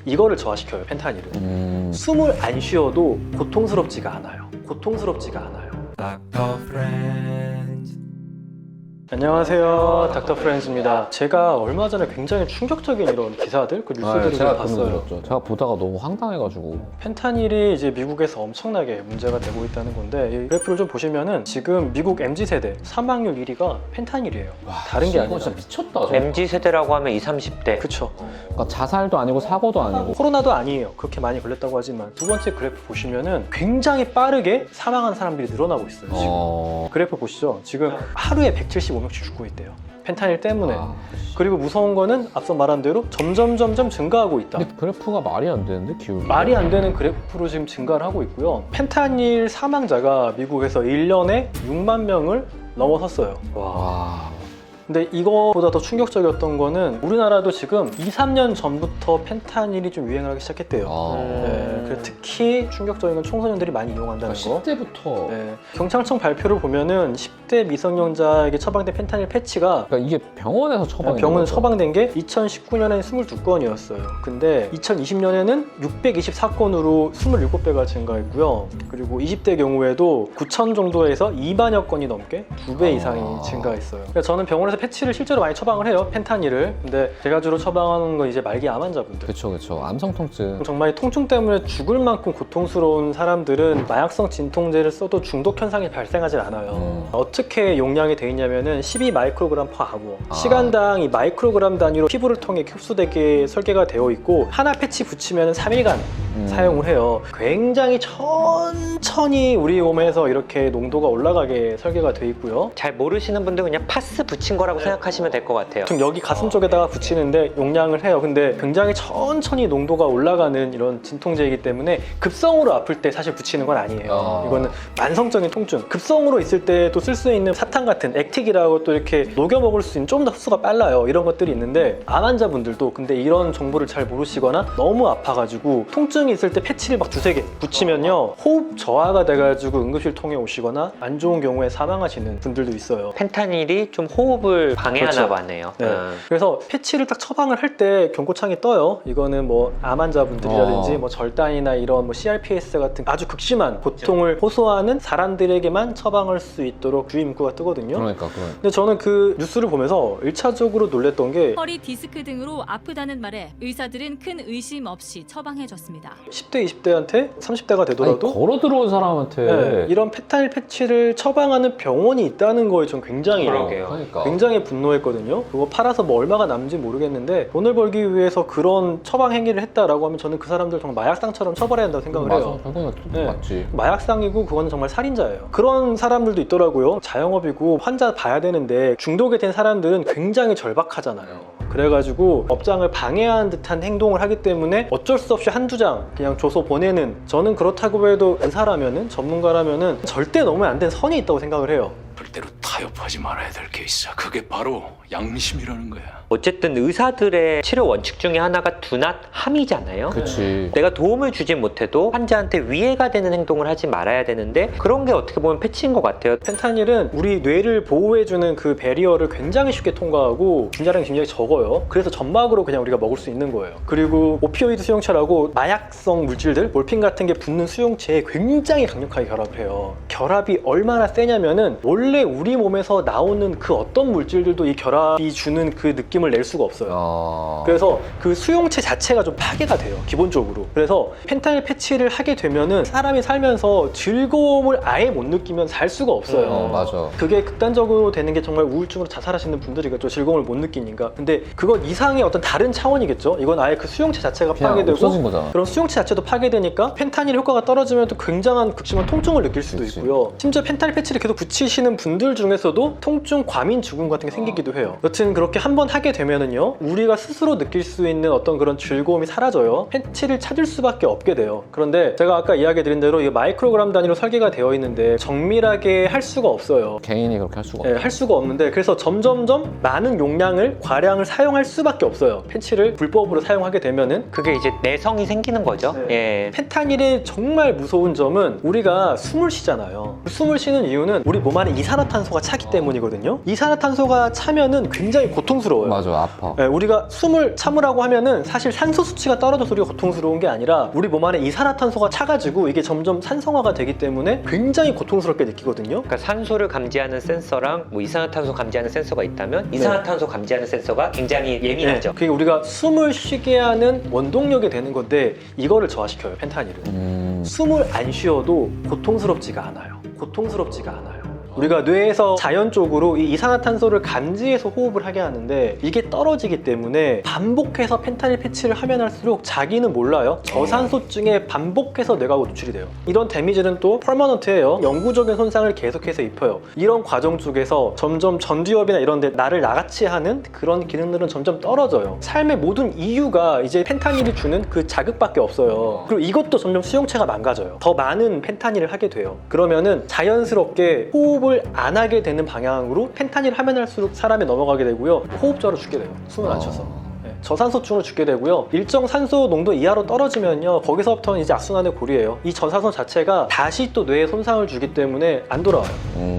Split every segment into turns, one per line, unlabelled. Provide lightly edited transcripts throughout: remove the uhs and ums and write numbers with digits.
이거를 저하시켜요, 펜타닐은. 숨을 안 쉬어도 고통스럽지가 않아요. 고통스럽지가 않아요. 안녕하세요, 닥터 프렌즈입니다. 제가 얼마 전에 굉장히 충격적인 이런 기사들, 그 뉴스들을
제가
봤어요.
제가 보다가 너무 황당해가지고.
펜타닐이 이제 미국에서 엄청나게 문제가 되고 있다는 건데, 이 그래프를 좀 보시면은 지금 미국 MZ세대 사망률 1위가 펜타닐이에요. 다른 게 아니라.
진짜 미쳤다.
MZ세대라고 하면 20, 30대.
그쵸.
그러니까 자살도 아니고 사고도 아니고.
코로나도 아니에요. 그렇게 많이 걸렸다고 하지만 두 번째 그래프 보시면은 굉장히 빠르게 사망한 사람들이 늘어나고 있어요. 지금. 그래프 보시죠. 지금 하루에 175명씩 죽고 있대요. 펜타닐 때문에. 그리고 무서운 거는 앞서 말한 대로 점점 증가하고 있다.
근데 그래프가 말이 안 되는데, 기울기.
말이 안 되는 그래프로 지금 증가를 하고 있고요. 펜타닐 사망자가 미국에서 1년에 6만 명을 넘어섰어요.
와.
근데 이거보다 더 충격적이었던 거는 우리나라도 지금 2, 3년 전부터 펜타닐이 좀 유행을 하기 시작했대요. 네, 그래서 특히 충격적인 건 청소년들이 많이 이용한다는 거.
10대부터.
네, 경찰청 발표를 보면은 10대 미성년자에게 처방된 펜타닐 패치가
그러니까 이게 병원에서 처방이
병원 처방된 게 2019년에는 22건이었어요. 근데 2020년에는 624건으로 27배가 증가했고요. 그리고 20대 경우에도 9천 정도에서 2만여 건이 넘게 2배 이상이 증가했어요. 그러니까 저는 병원에서 패치를 실제로 많이 처방을 해요, 펜타닐을. 근데 제가 주로 처방하는 건 이제 말기 암 환자분들.
그쵸. 암성 통증.
정말 통증 때문에 죽을 만큼 고통스러운 사람들은 마약성 진통제를 써도 중독 현상이 발생하지 않아요. 어떻게 용량이 돼 있냐면은 12 마이크로그램 퍼 아워. 시간당 이 마이크로그램 단위로 피부를 통해 흡수되게 설계가 되어 있고, 하나 패치 붙이면 3일간 사용을 해요. 굉장히 천천히 우리 몸에서 이렇게 농도가 올라가게 설계가 되어 있고요.
잘 모르시는 분들 그냥 파스 붙인 거라고 생각하시면 될 것 같아요.
보통 여기 가슴 쪽에다가 붙이는데 용량을 해요. 근데 굉장히 천천히 농도가 올라가는 이런 진통제이기 때문에 급성으로 아플 때 사실 붙이는 건 아니에요. 이거는 만성적인 통증. 급성으로 있을 때 또 쓸 수 있는 사탕 같은 액틱이라고 또 이렇게 녹여 먹을 수 있는 좀 더 흡수가 빨라요. 이런 것들이 있는데 암 환자분들도 근데 이런 정보를 잘 모르시거나 너무 아파가지고 통증이 있을 때 패치를 막 두세 개 붙이면요, 호흡 저하가 돼가지고 응급실 통해 오시거나 안 좋은 경우에 사망하시는 분들도 있어요.
펜타닐이 좀 호흡을 방해하나
그렇죠.
봐네요.
네. 그래서 패치를 딱 처방을 할 때 경고창이 떠요. 이거는 뭐 암 환자분들이라든지 뭐 절단이나 이런 뭐 CRPS 같은 아주 극심한 고통을 호소하는 사람들에게만 처방할 수 있도록 주의 문구가 뜨거든요.
그러니까.
근데 저는 그 뉴스를 보면서 1차적으로 놀랬던 게
허리 디스크 등으로 아프다는 말에 의사들은 큰 의심 없이 처방해줬습니다.
10대, 20대한테 30대가 되더라도
걸어 들어온 사람한테.
네, 이런 펜타닐 패치를 처방하는 병원이 있다는 거에 전 굉장히
그러게요.
그러니까.
굉장히 분노했거든요. 그거 팔아서 뭐 얼마가 남는지 모르겠는데 돈을 벌기 위해서 그런 처방 행위를 했다라고 하면 저는 그 사람들 정말 마약상처럼 처벌해야 한다고 생각을 해요.
결국은
네.
맞지.
마약상이고 그건 정말 살인자예요. 그런 사람들도 있더라고요. 자영업이고 환자 봐야 되는데 중독이 된 사람들은 굉장히 절박하잖아요. 그래가지고 업장을 방해하는 듯한 행동을 하기 때문에 어쩔 수 없이 한두 장 그냥 줘서 보내는, 저는 그렇다고 해도 의사라면은 전문가라면은 절대 넘으면 안 되는 선이 있다고 생각을 해요.
절대로 타협하지 말아야 될 게 있어. 그게 바로 양심이라는 거야.
어쨌든 의사들의 치료 원칙 중에 하나가 do not harm이잖아요.
그치.
내가 도움을 주지 못해도 환자한테 위해가 되는 행동을 하지 말아야 되는데 그런 게 어떻게 보면 패치인 것 같아요.
펜타닐은 우리 뇌를 보호해주는 그 배리어를 굉장히 쉽게 통과하고 분자량이 굉장히 적어요. 그래서 점막으로 그냥 우리가 먹을 수 있는 거예요. 그리고 오피오이드 수용체라고 마약성 물질들, 몰핀 같은 게 붙는 수용체에 굉장히 강력하게 결합을 해요. 결합이 얼마나 세냐면은 원래 우리 몸에서 나오는 그 어떤 물질들도 이 결합이 주는 그 느낌을 낼 수가 없어요. 그래서 그 수용체 자체가 좀 파괴가 돼요, 기본적으로. 그래서 펜타닐 패치를 하게 되면은 사람이 살면서 즐거움을 아예 못 느끼면 살 수가 없어요.
맞아.
그게 극단적으로 되는 게 정말 우울증으로 자살하시는 분들이겠죠. 즐거움을 못 느끼니까. 근데 그건 이상의 어떤 다른 차원이겠죠. 이건 아예 그 수용체 자체가
그냥
파괴되고
없어진 거잖아.
그런 수용체 자체도 파괴되니까 펜타닐 효과가 떨어지면 또 굉장한 극심한 통증을 느낄 수도
그치.
있고요. 심지어 펜타닐 패치를 계속 붙이시는 분들 중에서도 통증 과민 증후군 같은 게 생기기도 해요. 여튼 그렇게 한번 하게 되면은요, 우리가 스스로 느낄 수 있는 어떤 그런 즐거움이 사라져요. 패치를 찾을 수밖에 없게 돼요. 그런데 제가 아까 이야기 드린 대로 이 마이크로그램 단위로 설계가 되어 있는데 정밀하게 할 수가 없어요.
개인이 그렇게 할 수가 없어.
네, 할 수가 없는데, 그래서 점점점 많은 용량을 과량을 사용할 수밖에 없어요. 패치를 불법으로 사용하게 되면은.
그게 이제 내성이 생기는 거죠. 예.
펜타닐의 정말 무서운 점은 우리가 숨을 쉬잖아요. 숨을 쉬는 이유는 우리 몸 안에 이 이산화탄소가 차기 때문이거든요. 이산화탄소가 차면은 굉장히 고통스러워요.
맞아, 아파.
네, 우리가 숨을 참으라고 하면은 사실 산소 수치가 떨어져서 우리가 고통스러운 게 아니라 우리 몸 안에 이산화탄소가 차가지고 이게 점점 산성화가 되기 때문에 굉장히 고통스럽게 느끼거든요.
그러니까 산소를 감지하는 센서랑 뭐 이산화탄소 감지하는 센서가 있다면 이산화탄소 감지하는 센서가 굉장히 예민하죠.
그게 우리가 숨을 쉬게 하는 원동력이 되는 건데 이거를 저하시켜요, 펜타닐은. 숨을 안 쉬어도 고통스럽지가 않아요. 고통스럽지가 않아요. 우리가 뇌에서 자연적으로 이 이산화탄소를 감지해서 호흡을 하게 하는데 이게 떨어지기 때문에 반복해서 펜타닐 패치를 하면 할수록 자기는 몰라요. 저산소증에 반복해서 뇌가 노출이 돼요. 이런 데미지는 또 퍼머넌트예요. 영구적인 손상을 계속해서 입혀요. 이런 과정 쪽에서 점점 전두엽이나 이런 데 나를 나같이 하는 그런 기능들은 점점 떨어져요. 삶의 모든 이유가 이제 펜타닐이 주는 그 자극밖에 없어요. 그리고 이것도 점점 수용체가 망가져요. 더 많은 펜타닐을 하게 돼요. 그러면은 자연스럽게 호흡을 안 하게 되는 방향으로 펜타닐 하면 할수록 사람이 넘어가게 되고요. 호흡저로 죽게 돼요. 숨을 안 쉬어서. 저산소증으로 죽게 되고요. 일정 산소 농도 이하로 떨어지면요. 거기서부터는 이제 악순환의 고리예요. 이 저산소 자체가 다시 또 뇌에 손상을 주기 때문에 안 돌아와요.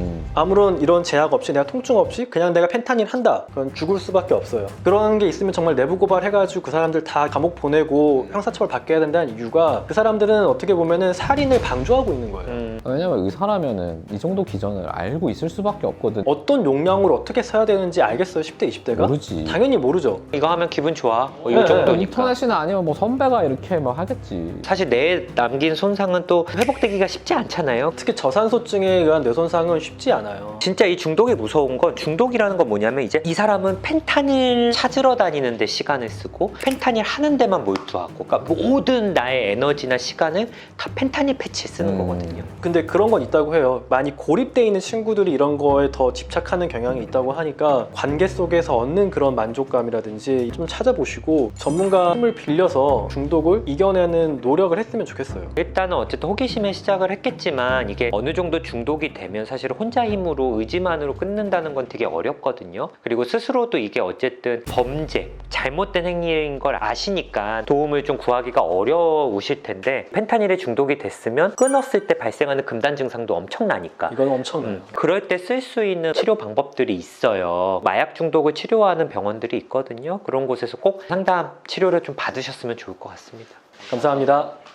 아무런 이런 제약 없이 내가 통증 없이 그냥 내가 펜타닐 한다. 그건 죽을 수밖에 없어요. 그런 게 있으면 정말 내부 고발해가지고 그 사람들 다 감옥 보내고 형사처벌 받게 해야 된다는 이유가 그 사람들은 어떻게 보면은 살인을 방조하고 있는 거예요.
왜냐면 의사라면은 이 정도 기전을 알고 있을 수밖에 없거든.
어떤 용량으로 어떻게 써야 되는지 알겠어요, 10대, 20대가?
모르지.
당연히 모르죠.
이거 하면 기분 좋아. 뭐 이
네,
정도니까.
인터넷이나 아니면 뭐 선배가 이렇게 막 하겠지.
사실 뇌에 남긴 손상은 또 회복되기가 쉽지 않잖아요.
특히 저산소증에 의한 뇌손상은 쉽지 않아요.
진짜 이 중독이 무서운 건 중독이라는 건 뭐냐면 이제 이 사람은 펜타닐 찾으러 다니는 데 시간을 쓰고 펜타닐 하는 데만 몰두하고 그러니까 모든 나의 에너지나 시간을 다 펜타닐 패치에 쓰는 거거든요.
근데 그런 건 있다고 해요. 많이 고립돼 있는 친구들이 이런 거에 더 집착하는 경향이 있다고 하니까 관계 속에서 얻는 그런 만족감이라든지 좀 찾아보시고 전문가 힘을 빌려서 중독을 이겨내는 노력을 했으면 좋겠어요.
일단은 어쨌든 호기심에 시작을 했겠지만 이게 어느 정도 중독이 되면 사실 혼자 힘으로 의지만으로 끊는다는 건 되게 어렵거든요. 그리고 스스로도 이게 어쨌든 범죄, 잘못된 행위인 걸 아시니까 도움을 좀 구하기가 어려우실 텐데 펜타닐에 중독이 됐으면 끊었을 때 발생하는 금단 증상도 엄청나니까
이건 엄청나요.
그럴 때 쓸 수 있는 치료 방법들이 있어요. 마약 중독을 치료하는 병원들이 있거든요. 그런 곳에서 꼭 상담 치료를 좀 받으셨으면 좋을 것 같습니다.
감사합니다.